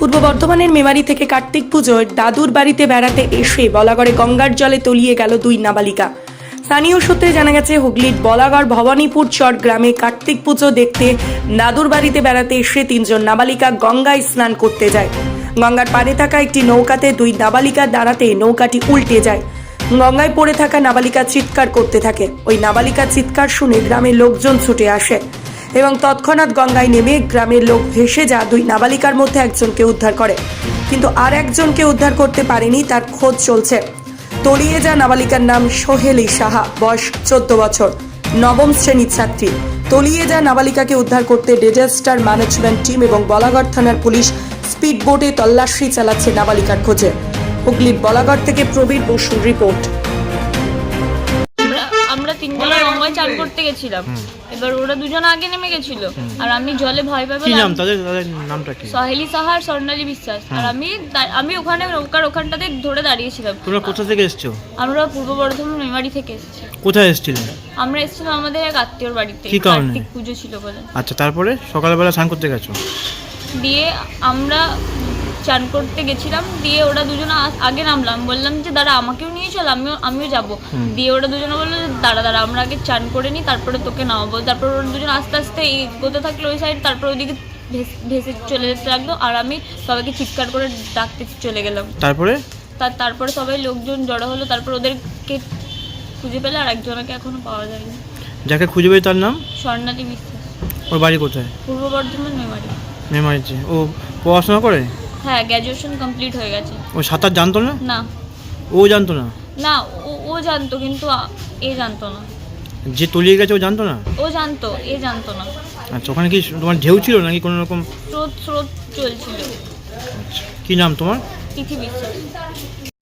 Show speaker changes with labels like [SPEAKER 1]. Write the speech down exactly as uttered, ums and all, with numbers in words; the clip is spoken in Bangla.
[SPEAKER 1] পূর্ব বর্ধমানের মেমারি থেকে কার্তিক পুজোয় দাদুর বাড়িতে বেড়াতে এসে বলাগড়ে গঙ্গার জলে তলিয়ে গেল দুই নাবালিকা। স্থানীয় সূত্রে জানা গেছে, হুগলির বলাগড় ভবানীপুর চট গ্রামে কার্তিক পুজো দেখতে দাদুর বাড়িতে বেড়াতে এসে তিনজন নাবালিকা গঙ্গায় স্নান করতে যায়। গঙ্গার পাড়ে থাকা একটি নৌকাতে দুই নাবালিকা দাঁড়াতে নৌকাটি উল্টে যায়। গঙ্গায় পড়ে থাকা নাবালিকা চিৎকার করতে থাকে। ওই নাবালিকার চিৎকার শুনে গ্রামের লোকজন ছুটে আসে এবং তৎক্ষণাৎ গঙ্গায় নেমে গ্রামের লোক ভেসে যা দুই নাবালিকার মধ্যে একজনকে উদ্ধার করে, কিন্তু আর একজনকে উদ্ধার করতে পারেনি, তার খোঁজ চলছে। তলিয়ে যা নাবালিকার নাম সোহেলি সাহা, বয়স চোদ্দ বছর, নবম শ্রেণীর ছাত্রী। তলিয়ে যা নাবালিকাকে উদ্ধার করতে ডিজাস্টার ম্যানেজমেন্ট টিম এবং বলাগড় থানার পুলিশ স্পিড বোটে তল্লাশি চালাচ্ছে নাবালিকার খোঁজে। হুগলির বলাগড় থেকে প্রবীর বসুর রিপোর্ট।
[SPEAKER 2] আমরা তিনজনে গঙ্গায় চান করতে গেছিলাম। এবার ওরা দুজন আগে নেমে গেছিল আর আমি জলে ভয় পাই।
[SPEAKER 3] কি নাম তাদের? তাদের নামটা কি?
[SPEAKER 2] সোহেলি সাহা আর স্বর্ণালী বিশ্বাস। আর আমি আমি ওখানে নৌকার ওখানটাতে ধরে দাঁড়িয়েছিলাম।
[SPEAKER 3] তোমরা কোথা থেকে এসছো?
[SPEAKER 2] আমরা পূর্ব বর্ধমান মেমারি থেকে এসেছি।
[SPEAKER 3] কোথায় এসেছিলেন?
[SPEAKER 2] আমরা এসেছিলাম আমাদের এক আত্মীয়র বাড়িতে,
[SPEAKER 3] কি কারণে?
[SPEAKER 2] কার্তিক পুজো ছিল বলে।
[SPEAKER 3] আচ্ছা, তারপরে সকালবেলা স্নান করতে গেছো?
[SPEAKER 2] দিয়ে আমরা চান করতে গেছিলাম। দিয়ে ওরা দুজন আগে নামলাম, বললাম যে দাঁড়া আমাকেও নিয়ে চল, আমিও আমিও যাবো। দিয়ে ওরা দুজনে বললো যে দাঁড়া দাঁড়া আমরা আগে চান করে নিই, তারপরে তোকে নামাবো। তারপর ওরা দুজন আস্তে আস্তে এগোতে থাকলো ওই সাইড, তারপর ওইদিকে ভেসে চলে যেতে লাগলো আর আমি সবাইকে চিৎকার করে ডাকতে চলে গেলাম।
[SPEAKER 3] তারপরে
[SPEAKER 2] তার তারপরে সবাই লোকজন জড়ো হলো, তারপর ওদেরকে খুঁজে পেলে আর একজনকে এখনো পাওয়া যায়নি।
[SPEAKER 3] যাকে খুঁজে পেয়ে তার নাম?
[SPEAKER 2] স্বর্ণালী বিশ্বাস।
[SPEAKER 3] ওর বাড়ি কোথায়?
[SPEAKER 2] পূর্ব বর্ধমান মেমারি।
[SPEAKER 3] মেমারিতে। ও পড়াশোনা করে?
[SPEAKER 2] হ্যাঁ, গ্র্যাজুয়েশন কমপ্লিট হয়ে গেছে।
[SPEAKER 3] ও সাঁতার জানতো না?
[SPEAKER 2] না
[SPEAKER 3] ও জানতো না?
[SPEAKER 2] না ও ও জানতো, কিন্তু এ জানতো না।
[SPEAKER 3] যে তলিয়ে গেছে ও জানতো না?
[SPEAKER 2] ও জানতো, এ জানতো না।
[SPEAKER 3] আচ্ছা, ওখানে কি তোমার ঢেউ ছিল নাকি কোনো রকম?
[SPEAKER 2] স্রোত স্রোত চলছিল।
[SPEAKER 3] আচ্ছা, কি নাম তোমার?
[SPEAKER 2] তিথি বিশ্বাস।